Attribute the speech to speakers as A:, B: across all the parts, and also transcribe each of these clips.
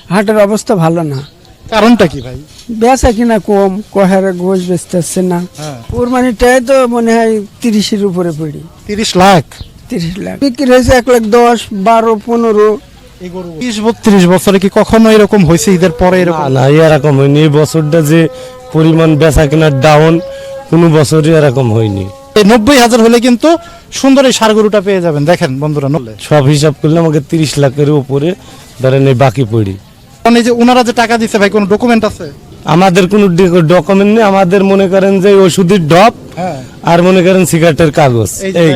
A: হাটের অবস্থা ভালো না।
B: কারণটা কি ভাই?
A: বেচা কিনা কম, কহারে গোশ বেচতেছে না। কুরবানিটাই তো মনে হয় 30-এর উপরে পড়ি।
B: 30 লাখ
A: 30 লাখ বিক্রি হয়েছে, 1,10,000, 12, 15।
B: 30-32 বছরে কি কখনো এরকম হয়েছে ঈদের পরে এরকম?
C: না এরকম হয়নি। এই বছরটা যে পরিমাণ বেচা কেনার ডাউন, কোনো বছরই এরকম হয়নি।
B: এই 90,000 হলে কিন্তু সুন্দর এই ষাঁড় গরুটা পেয়ে যাবেন। দেখেন বন্ধুরা,
C: সব হিসাব করলে আমাকে 30 লাখের উপরে ধরেন এই বাকি পড়ি।
B: এই যে ওনারা যে টাকা দিচ্ছে ভাই, কোনো ডকুমেন্ট আছে?
C: আমাদের কোনো ডকুমেন্ট নেই। আমাদের মনে করেন যে ওষুধের ডব আর মনে করেন সিগারেটের কাগজ। এই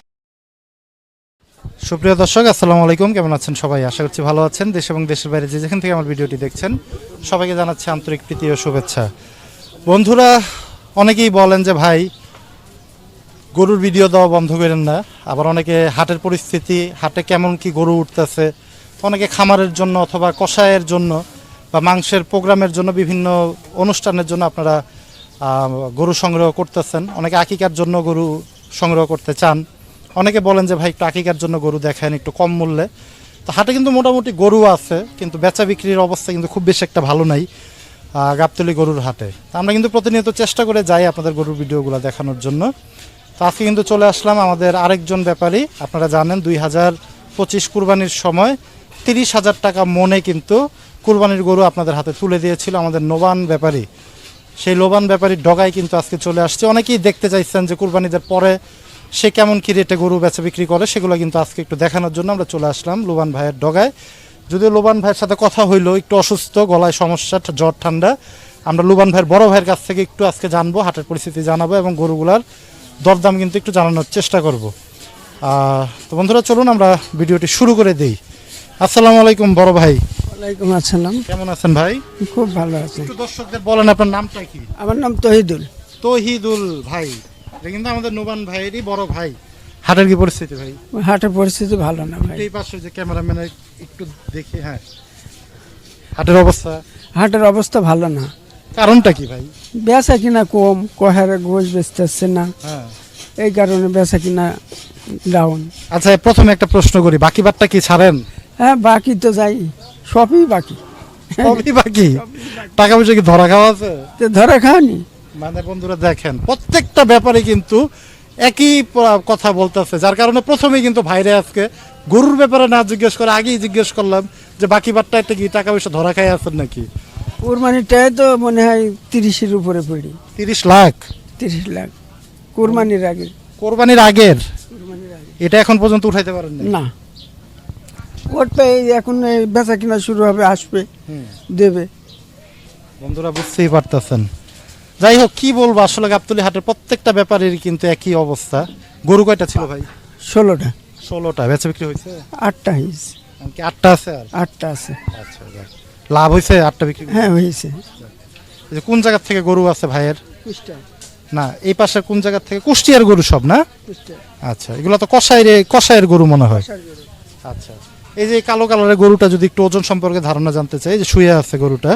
B: সুপ্রিয় দর্শক, আসসালামু আলাইকুম। কেমন আছেন সবাই? আশা করছি ভালো আছেন। দেশ এবং দেশের বাইরে যে যেখান থেকে আমার ভিডিওটি দেখছেন, সবাইকে জানাচ্ছি আন্তরিক প্রীতি ও শুভেচ্ছা। বন্ধুরা, অনেকেই বলেন যে ভাই গরুর ভিডিও দেওয়া বন্ধ করেন না। আবার অনেকে হাটের পরিস্থিতি, হাটে কেমন কি গরু উঠতেছে, অনেকে খামারের জন্য অথবা কষায়ের জন্য বা মাংসের প্রোগ্রামের জন্য, বিভিন্ন অনুষ্ঠানের জন্য আপনারা গরু সংগ্রহ করতেছেন। অনেকে আকিকার জন্য গরু সংগ্রহ করতে চান। অনেকে বলেন যে ভাই একটু আকিকার জন্য গরু দেখান একটু কম মূল্যে। তো হাটে কিন্তু মোটামুটি গরু আছে, কিন্তু বেচা বিক্রির অবস্থা কিন্তু খুব বেশি একটা ভালো নাই গাবতলী গরুর হাটে। আমরা কিন্তু প্রতিনিয়ত চেষ্টা করে যাই আপনাদের গরুর ভিডিওগুলো দেখানোর জন্য। তো আজকে কিন্তু চলে আসলাম আমাদের আরেকজন ব্যাপারী। আপনারা জানেন 2025 কুরবানির সময় 30,000 টাকা মনে কিন্তু কুরবানির গরু আপনাদের হাতে তুলে দিয়েছিল আমাদের নোবান ব্যাপারী। সেই লোবান ব্যাপারীর ডগায় কিন্তু আজকে চলে আসছে। অনেকেই দেখতে চাইছেন যে কুরবানিদের পরে সে কেমন কি রেটে গরু বেচা বিক্রি করে, সেগুলো কিন্তু আজকে একটু দেখানোর জন্য আমরা চলে আসলাম লোবান ভাইয়ের ডগায়। যদিও লোবান ভাইয়ের সাথে কথা হইলো, একটু অসুস্থ, গলায় সমস্যা, জ্বর ঠান্ডা। আমরা লোবান ভাইয়ের বড় ভাইয়ের কাছ থেকে একটু আজকে জানবো, হাটের পরিস্থিতি জানাবো এবং গরুগুলার দরদাম কিন্তু একটু জানানোর চেষ্টা করব। তো বন্ধুরা, চলুন আমরা ভিডিওটি শুরু করে দিই। আসসালামু আলাইকুম বড় ভাই।
A: ওয়ালাইকুম আসসালাম।
B: কেমন আছেন ভাই?
A: খুব ভালো আছে।
B: একটু দর্শকদের বলেন আপনার নামটা কি?
A: আমার নাম তহিদুল।
B: তহিদুল ভাই, এটা কিন্তু আমাদের নোবান ভাইয়েরই বড় ভাই। হাটের কি পরিস্থিতি ভাই?
A: হাটের পরিস্থিতি ভালো না ভাই।
B: এই পাশে যে ক্যামেরাম্যান একটু দেখি। হ্যাঁ, হাটের অবস্থা?
A: হাটের অবস্থা ভালো না।
B: কারণটা কি ভাই?
A: বেচা কিনা কম, কহারে গোশ বেচতেছে না।
B: হ্যাঁ,
A: এই কারণে বেচা কিনা ডাউন।
B: আচ্ছা, প্রথমে একটা প্রশ্ন করি, বাকি বারটা কি ছাড়েন?
A: হ্যাঁ, বাকি তো যাই, সবই বাকি।
B: সবই বাকি? টাকা পয়সা কি ধরা খাওয়া আছে?
A: তো ধরে খাওয়ানি।
B: মানে বন্ধুরা দেখেন, প্রত্যেকটা ব্যাপারে কিন্তু একই কথা বলতেছে, যার কারণে প্রথমেই কিন্তু ভাইরে আজকে গরুর ব্যাপারে না জিজ্ঞেস করে আগেই জিজ্ঞেস করলাম যে বাকি বারটা একটা কি টাকা পয়সা ধরা খাই আছেন নাকি?
A: কুরবানিটাই তো মনে হয় 30-এর উপরে পড়ি।
B: 30 লাখ
A: 30 লাখ কুরবানির আগে।
B: কোরবানির আগের? এটা এখন পর্যন্ত উঠাইতে পারেন
A: না, ওটা এখন বেচা কিনা শুরু হবে, আসবে, দেবে।
B: বন্ধুরা বুঝতেই পারতেছেন। যাই হোক, কি বলবো, আসলে গাবতলী হাটের প্রত্যেকটা ব্যাপারের কিন্তু একই অবস্থা। গরু কয়টা ছিল ভাই?
A: 16টা।
B: 16টা বেচা বিক্রি হয়েছে?
A: 8টা হয়েছে।
B: কি 8টা আছে? আর
A: 8টা আছে।
B: আচ্ছা, লাভ হয়েছে 8টা বিক্রি?
A: হ্যাঁ, হয়েছে।
B: এই যে কোন জায়গা থেকে গরু আছে ভাইয়ের? না, এই পাশে কোন জায়গা থেকে? কুষ্টিয়ার গরু সব না? আচ্ছা, এগুলো তো কষায়ের গরু মনে হয়। আচ্ছা, এই যে কালো কালারের গরুটা যদি একটু ওজন সম্পর্কে ধারণা জানতে চাই। যে শুয়ে আছে গরুটা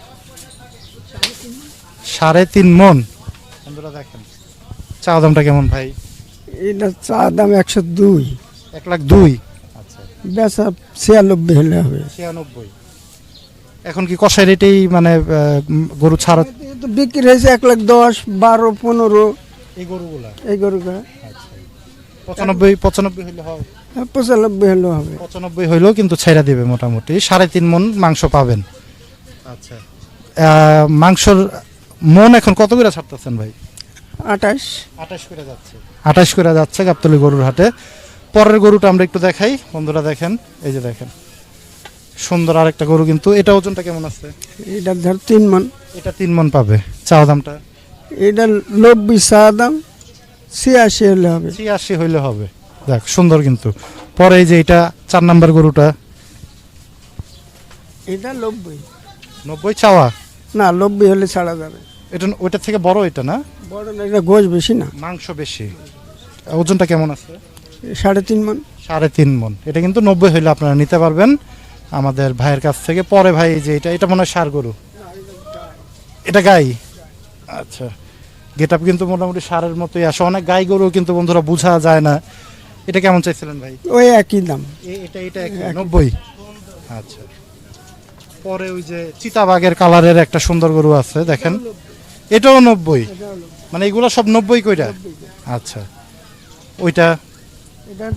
B: 3.5 মন। বন্ধুরা দেখেন, চা দামটা কেমন ভাই?
A: এটা চা দাম 102।
B: 1,02,000। আচ্ছা,
A: বেচা 96 হলে হবে।
B: 96। এখন কি কষাই রেটেই মানে গরু ছাড়া?
A: তো বিক্রি হয়েছে 1,10,000, 12, 15
B: এই গরুগুলা?
A: এই গরুটা।
B: আচ্ছা, 95 হইলে হয়?
A: 95 হলেও হবে।
B: 95 হইলেও কিন্তু ছেড়া দিবে মোটামুটি। 3.5 মন মাংস পাবেন। আচ্ছা, মাংসর মন এখন কত করে ছাড়তেছেন ভাই?
A: 28
B: করে যাচ্ছে। 28 করে যাচ্ছে গাবতলী গরুর হাটে। পরের গরুটা আমরা একটু দেখাই। বন্ধুরা দেখেন, এই যে দেখেন সুন্দর আরেকটা গরু, কিন্তু এটা ওজনটা কেমন আছে?
A: এটা ধর 3 মন।
B: এটা 3 মন পাবে। চা দামটা?
A: এটা 90 চা দাম, 86 হলে হবে।
B: 86 হইলে হবে। দেখ সুন্দর কিন্তু। পরে এই যে এটা 4 নাম্বার গরুটা?
A: এটা 90।
B: 90 চাওয়া?
A: না, 90 হলে ছাড়া যাবে।
B: এটা ওইটার থেকে বড় এটা না?
A: বড় না, এটা গোশ বেশি না।
B: মাংস বেশি। ওজনটা কেমন আছে?
A: 3.5 মন।
B: 3.5 মন। এটা কিন্তু 90 হইলে আপনারা নিতে পারবেন আমাদের ভাইয়ের কাছ থেকে। পরে ভাই যে এটা মনে হয় ষাঁড় গরু, এটা গাই। আচ্ছা, গেট আপ কিন্তু মোটামুটি ষাঁড়ের মতোই আসে। অনেক গাই গরু কিন্তু বন্ধুরা বোঝা যায় না। এটা কেমন চাইছিলেন ভাই?
A: ওই একই দাম।
B: এটা 90। আচ্ছা, পরে ওই যে চিতাবাগের কালারের একটা সুন্দর গরু আছে দেখেন, এটাও 90, মানে এগুলো সব 90 কইরা। আচ্ছা, ওইটা
A: এটা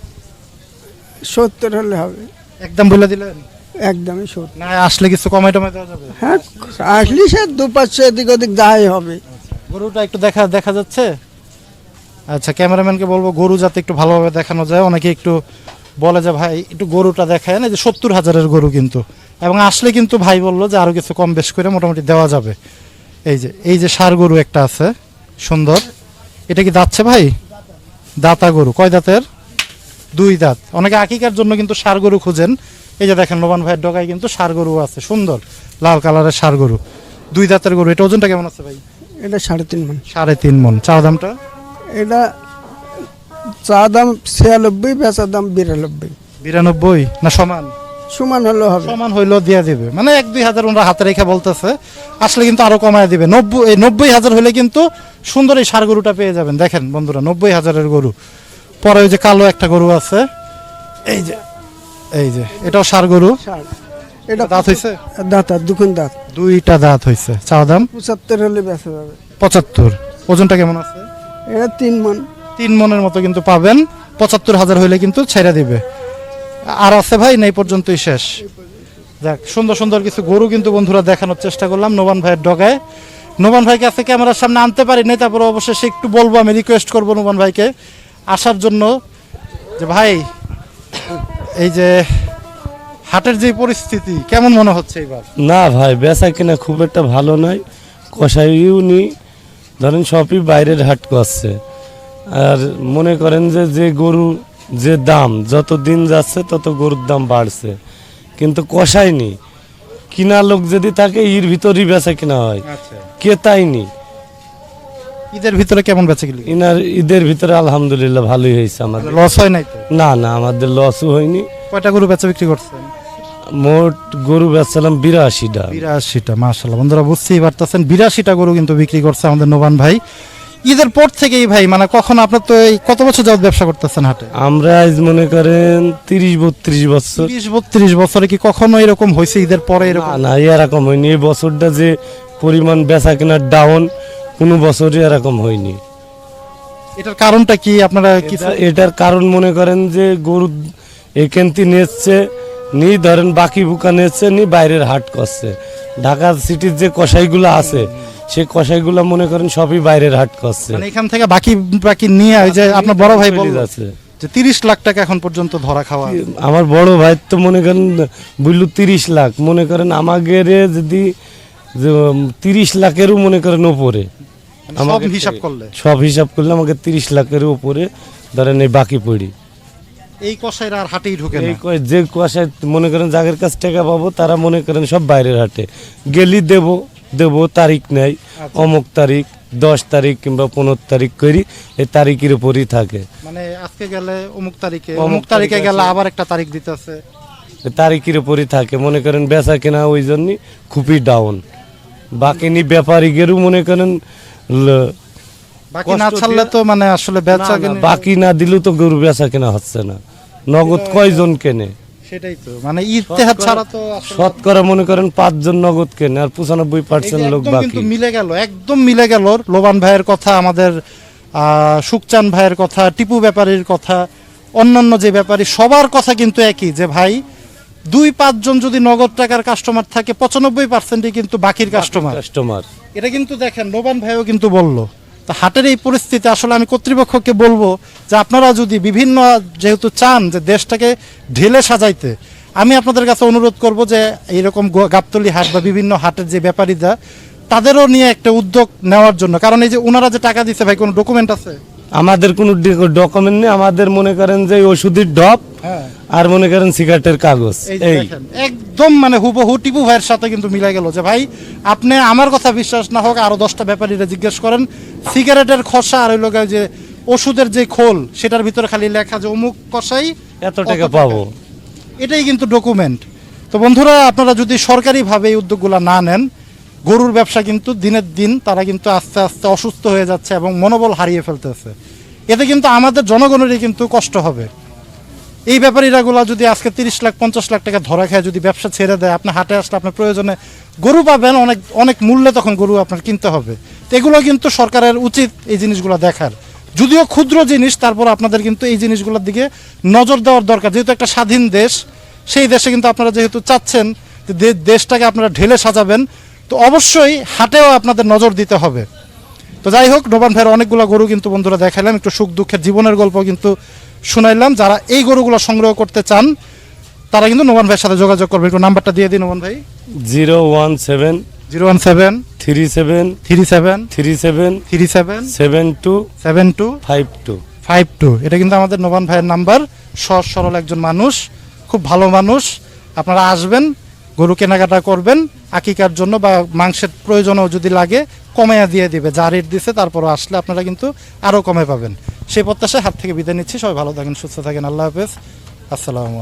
A: 70 হলে হবে,
B: একদম বলে দিলেন?
A: একদমই 70।
B: না আসলে কিছু কমাই টমাই দেওয়া যাবে?
A: হ্যাঁ, আসলে সে 2-500 এদিক ওদিক যাই হবে।
B: গরুটা একটু দেখা যাচ্ছে? আচ্ছা, ক্যামেরাম্যানকে বলবো গরু যাতে একটু ভালোভাবে দেখানো যায়। অনেকে একটু বলে যে ভাই একটু গরুটা দেখায় না, যে 70,000-এর গরু কিন্তু, এবং আসলে কিন্তু ভাই বললো যে আরো কিছু কম বেশ করে মোটামুটি দেওয়া যাবে। এই যে ষাঁড় গরু একটা আছে সুন্দর, এটা কি দাঁতছে ভাই? দাতা গরু, কয় দাঁতের? 2 দাঁত। অনেকে আকিকার জন্য কিন্তু ষাঁড় গরু খুঁজেন, এই যে দেখেন নোমান ভাইয়ের ডগায় কিন্তু ষাঁড় গরু আছে সুন্দর লাল কালারের ষাঁড় গরু, 2 দাঁতের গরু। এটা ওজনটা কেমন আছে ভাই?
A: এটা 3.5 মণ।
B: 3.5 মণ। চাওয়া দামটা?
A: এটা চা দাম 96, বেচা দাম 92।
B: 92 না সমান?
A: সমান হলে হবে।
B: সমান হইলেও দিয়ে দিবে, মানে 1-2 হাজার ওনারা হাতে রেখে বলতেছে, আসলে কিন্তু আরো কমায় দিবে। 90,000 হলে কিন্তু সুন্দর এই ষাঁড় গরুটা পেয়ে যাবেন। দেখেন বন্ধুরা, 90,000-এর গরু। পরে ওই যে কালো একটা গরু আছে, এই যে এটাও ষাঁড় গরু।
A: ষাট।
B: এটা দাঁত হইছে?
A: দাঁত আর দুখান দাঁত।
B: 2টা দাঁত হইছে। চাওয়া দাম?
A: 75 হলে বেচা যাবে।
B: 75। ওজনটা কেমন আছে?
A: এটা 3 মণ।
B: 3 মণের মতো কিন্তু পাবেন। 75,000 হইলে কিন্তু ছেড়ে দিবে। আর আছে ভাই? না এই পর্যন্তই শেষ? যাক, সুন্দর সুন্দর কিছু গরু কিন্তু বন্ধুরা দেখানোর চেষ্টা করলাম নোমান ভাইয়ের ডগায়। নোমান ভাইকে আজকে ক্যামেরার সামনে আনতে পারি নাই, তারপরে অবশ্যই একটু বলবো, আমি রিকোয়েস্ট করবো নোমান ভাইকে আসার জন্য, যে ভাই এই যে হাটের যে পরিস্থিতি কেমন মনে হচ্ছে এবার?
C: না ভাই, বেচা কিনা খুব একটা ভালো নয়। কষাইও নি, ধরেন সবই বাইরের হাট করছে। আর মনে করেন যে গরু যে দাম, যত দিন যাচ্ছে তত গরুর দাম বাড়ছে, কিন্তু কষাইনি। কিনা লোক যদি থাকে এর ভিতরই বেচা কিনা হয়,
B: আচ্ছা,
C: কেতাই নি।
B: ঈদের ভিতরে কেমন বেচে গেল?
C: ইনার ঈদের ভিতরে আলহামদুলিল্লাহ ভালোই হয়েছে আমাদের।
B: লস হয় নাই তো?
C: না না, আমাদের লসও হয়নি।
B: কয়টা গরু বেচা বিক্রি করছেন?
C: মোট গরু বেচছিলাম 82টা।
B: 82টা, মাশাআল্লাহ। বন্ধুরা বুঝতেই পারতেছেন 82টা গরু কিন্তু বিক্রি করছে আমাদের নোমান ভাই ঈদের পর থেকেই। ভাই মানে কখন আপনার তো এই কত বছর যাবত ব্যবসা করতেছেন হাটে?
C: আমরা আজ মনে করেন 30-32 বছর।
B: 30-32 বছরে কি কখনো এরকম হয়েছে ঈদের পরে এরকম?
C: না, এরকম হয়নি। এই বছরটা যে পরিমাণ বেচা কেনার ডাউন, কোনো বছরই এরকম হয়নি।
B: এটার কারণটা কি আপনারা কিছু?
C: এটার কারণ মনে করেন যে গরু এখানটি নিচ্ছে নি, ধরেন বাকি বুকা নিচ্ছে নি, বাইরের হাট করছে। ঢাকা সিটির যে কসাইগুলো আছে, সেই কসাইগুলো মনে করেন সবই বাইরের হাট করছে।
B: মানে এখান থেকে বাকি নিয়ে ওই যে আপনার বড় ভাই বলল
C: আছে
B: যে 30 লাখ টাকা এখন পর্যন্ত ধরা খাওয়া।
C: আমার বড় ভাই তো মনে করেন বুঝলো 30 লাখ, মনে করেন আমাদের যদি 30 লাখেরও মনে করেন উপরে,
B: সব হিসাব করলে
C: সব হিসাব করলে আমাকে 30 লাখের উপরে ধরেন এই বাকি পড়ি।
B: এই কসাইরা আর হাটেই ঢুকে না।
C: এই যে কুয়াশায় মনে করেন যাদের কাছ টাকা পাবো তারা মনে করেন সব বাইরের হাটে গেলি দেব তারিখ নেই, অমুক তারিখ 10 তারিখ কিংবা 15 তারিখ করি, এই তারিখের উপরই থাকে।
B: মানে আজকে গেলে অমুক তারিখে গেলে আবার একটা তারিখ দিতেছে,
C: তারিখের উপরই থাকে। মনে করেন বেচা কেনা ওই জন্যই খুবই ডাউন। বাকি নি ব্যাপারীদেরও মনে করেন
B: বাকি না ছাড়লে তো মানে আসলে বেচা কেনা,
C: বাকি না দিলেও তো গরু বেচা কেনা হচ্ছে না। নগদ কয়জন কেনে?
B: সেটাই তো, মানে ইতিহাদ ছাড়া তো
C: শতকরা মনে করেন 5 জন নগদ কেনে, আর 95% লোক
B: একদম
C: বাকি।
B: কিন্তু একদম মিলে গেল লোবান ভাইয়ের কথা, আমাদের সুকচান ভাইয়ের কথা, টিপু ব্যাপারীর কথা, অন্যান্য যে ব্যাপারী সবার কথা কিন্তু একই, যে ভাই 2-5 জন যদি নগদ টাকার কাস্টমার থাকে 95%ই কিন্তু বাকির কাস্টমার। এটা কিন্তু দেখেন লোবান ভাইও কিন্তু বললো। তো হাটের এই পরিস্থিতি আসলে আমি কর্তৃপক্ষকে বলবো যে আপনারা যদি বিভিন্ন যেহেতু চান যে দেশটাকে ঢেলে সাজাইতে, আমি আপনাদের কাছে অনুরোধ করব যে এইরকম গাবতলী হাট বা বিভিন্ন হাটের যে ব্যাপারীরা তাদেরও নিয়ে একটা উদ্যোগ নেওয়ার জন্য। কারণ এই যে ওনারা যে টাকা দিচ্ছে ভাই, কোনো ডকুমেন্ট আছে?
C: আমাদের কোনো ডকুমেন্ট নেই। আমাদের মনে করেন যে ওষুধের ডপ আর মনে করেন সিগারেটের কাগজ। এই
B: একদম মানে হুবহু টিপু ভাইয়ের সাথে কিন্তু মিলে গেল যে ভাই আপনি আমার কথা বিশ্বাস না হোক আরো 10টা ব্যাপারীরা জিজ্ঞেস করেন, সিগারেটের খসা আর ওই লোক যে ওষুধের যে খোল সেটার ভিতরে খালি লেখা যে অমুক কষাই
C: এত টাকা পাবো,
B: এটাই কিন্তু ডকুমেন্ট। তো বন্ধুরা আপনারা যদি সরকারিভাবে এই উদ্যোগগুলো না নেন, গরুর ব্যবসা কিন্তু দিনের দিন তারা কিন্তু আস্তে আস্তে অসুস্থ হয়ে যাচ্ছে এবং মনোবল হারিয়ে ফেলতেছে। এতে কিন্তু আমাদের জনগণেরই কিন্তু কষ্ট হবে। এই ব্যাপারীরাগুলা যদি আজকে 30 লাখ 50 লাখ টাকা ধরা খায় যদি ব্যবসা ছেড়ে দেয়, আপনি হাটে আসলে আপনার প্রয়োজনে গরু পাবেন, অনেক অনেক মূল্যে তখন গরু আপনার কিনতে হবে। তো এগুলো কিন্তু সরকারের উচিত এই জিনিসগুলো দেখার, যদিও ক্ষুদ্র জিনিস, তারপর আপনাদের কিন্তু এই জিনিসগুলোর দিকে নজর দেওয়ার দরকার। যেহেতু একটা স্বাধীন দেশ, সেই দেশে কিন্তু আপনারা যেহেতু চাচ্ছেন যে দেশটাকে আপনারা ঢেলে সাজাবেন, তো অবশ্যই হাটেও আপনাদের নজর দিতে হবে। তো যাই হোক, নোমান ভাইয়ের অনেকগুলো গরু কিন্তু বন্ধুরা দেখালাম, একটু সুখ দুঃখের জীবনের গল্প কিন্তু শুনাইলাম। যারা এই গরুগুলো সংগ্রহ করতে চান তারা কিন্তু নোমান ভাইয়ের সাথে যোগাযোগ করবে। একটু নাম্বারটা দিয়ে দিন নোমান ভাই।
C: 017
B: 017
C: 37
B: 37
C: 37
B: 37
C: 72
B: 72
C: 52।
B: 52। এটা কিন্তু আমাদের নোমান ভাইয়ের নাম্বার। সহজ সরল একজন মানুষ, খুব ভালো মানুষ। আপনারা আসবেন, গরু কেনাকাটা করবেন, আকিকার জন্য বা মাংসের প্রয়োজনও যদি লাগে কমাইয়া দিয়ে দিবে, যা রেট দিছে তারপরও আসলে আপনারা কিন্তু আরও কমে পাবেন। সেই প্রত্যাশায় হাত থেকে বিদায় নিচ্ছি। সবাই ভালো থাকেন, সুস্থ থাকেন, আল্লাহ হাফেজ, আসসালামু আলাইকুম।